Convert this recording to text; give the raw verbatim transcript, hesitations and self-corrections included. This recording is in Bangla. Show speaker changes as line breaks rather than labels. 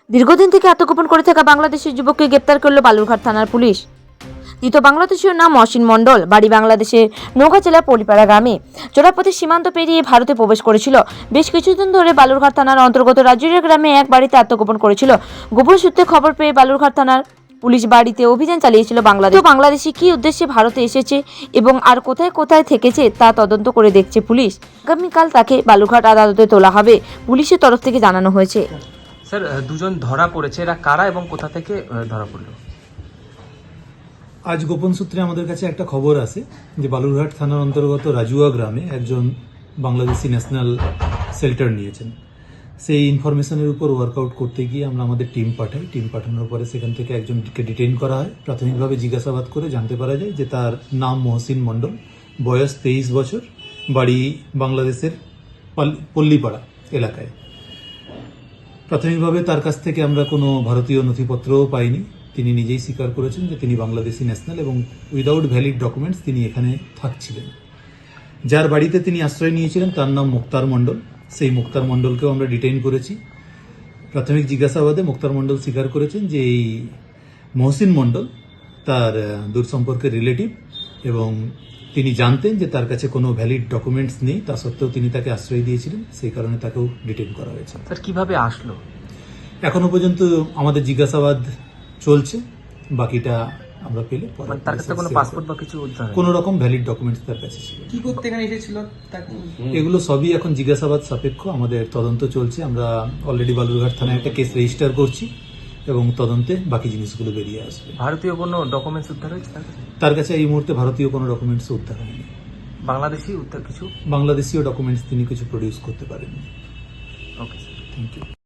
দীর্ঘদিন থেকে আত্মগোপন করে থাকা বাংলাদেশের যুবককে গ্রেপ্তার করল বালুরঘাট থানার পুলিশ। ধৃত বাংলাদেশীয় নাম মহসিন মণ্ডল, বাড়ি বাংলাদেশের নওগাঁ জেলার পলিপাড়া গ্রামে। চোরাপথে সীমান্ত পেরিয়ে ভারতে প্রবেশ করেছিল। বেশ কিছুদিন ধরে বালুরঘাট থানার অন্তর্গত রাজুরিয়া গ্রামে এক বাড়িতে আত্মগোপন করেছিল। গোপন সূত্রে খবর পেয়ে বালুরঘাট থানার পুলিশ বাড়িতে অভিযান চালিয়েছিল। বাংলাদেশ বাংলাদেশি কি উদ্দেশ্যে ভারতে এসেছে এবং আর কোথায় কোথায় থেকেছে তা তদন্ত করে দেখছে পুলিশ। আগামীকাল তাকে বালুরঘাট আদালতে তোলা হবে, পুলিশের তরফ থেকে জানানো হয়েছে।
স্যার, দুজন ধরা পড়েছে, এরা কারা এবং কোথা থেকে ধরা পড়লো?
আজ গোপন সূত্রে আমাদের কাছে একটা খবর আছে যে বালুরঘাট থানার অন্তর্গত রাজুয়া গ্রামে একজন বাংলাদেশি ন্যাশনাল শেল্টার নিয়েছেন। সেই ইনফরমেশনের উপর ওয়ার্কআউট করতে গিয়ে আমরা আমাদের টিম পাঠাই। টিম পাঠানোর পরে সেখান থেকে একজনকে ডিটেইন করা হয়। প্রাথমিকভাবে জিজ্ঞাসাবাদ করে জানতে পারা যায় যে তার নাম মহসিন মণ্ডল, বয়স তেইশ বছর, বাড়ি বাংলাদেশের পল্লীপাড়া এলাকায়। প্রাথমিকভাবে তার কাছ থেকে আমরা কোনো ভারতীয় নথিপত্রও পাইনি। তিনি নিজেই স্বীকার করেছেন যে তিনি বাংলাদেশি ন্যাশনাল এবং উইদাউট ভ্যালিড ডকুমেন্টস তিনি এখানে থাকছিলেন। যার বাড়িতে তিনি আশ্রয় নিয়েছিলেন তার নাম মুক্তার মণ্ডল। সেই মুক্তার মণ্ডলকেও আমরা ডিটেইন করেছি। প্রাথমিক জিজ্ঞাসাবাদে মুক্তার মণ্ডল স্বীকার করেছেন যে এই মহসিন মণ্ডল তার দূর সম্পর্কের রিলেটিভ এবং তিনি জানতেন যে তার কাছে কোনো ভ্যালিড ডকুমেন্টস নেই, তা সত্ত্বেও তিনি তাকে আশ্রয় দিয়েছিলেন। সেই কারণে তাকেও ডিটেইন করা হয়েছে।
স্যার, কিভাবে আসলো?
এখনো পর্যন্ত আমাদের জিজ্ঞাসাবাদ চলছে, বাকিটা আমরা পেলে
মানে তার কাছে কোনো পাসপোর্ট বা কিছু উদ্ধার হয়নি?
কোনো রকম ভ্যালিড ডকুমেন্টস তার কাছে ছিল।
কি করতে এখানে এসেছিল তাকে?
এগুলো সবই এখন জিজ্ঞাসাবাদ সাপেক্ষ, আমাদের তদন্ত চলছে। আমরা অলরেডি বালুরঘাট থানায় একটা কেস রেজিস্টার করছি এবং তদন্তে বাকি জিনিসগুলো বেরিয়ে আসবে।
ভারতীয় কোনো ডকুমেন্টস উদ্ধার হয়েছে তার কাছে?
তার কাছে এই মুহূর্তে ভারতীয় কোনো ডকুমেন্টস উদ্ধার হয়নি।
বাংলাদেশি উদ্ধার কিছু?
বাংলাদেশীয় ডকুমেন্টস তিনি কিছু প্রডিউস করতে পারেননি।
Okay sir,
thank you.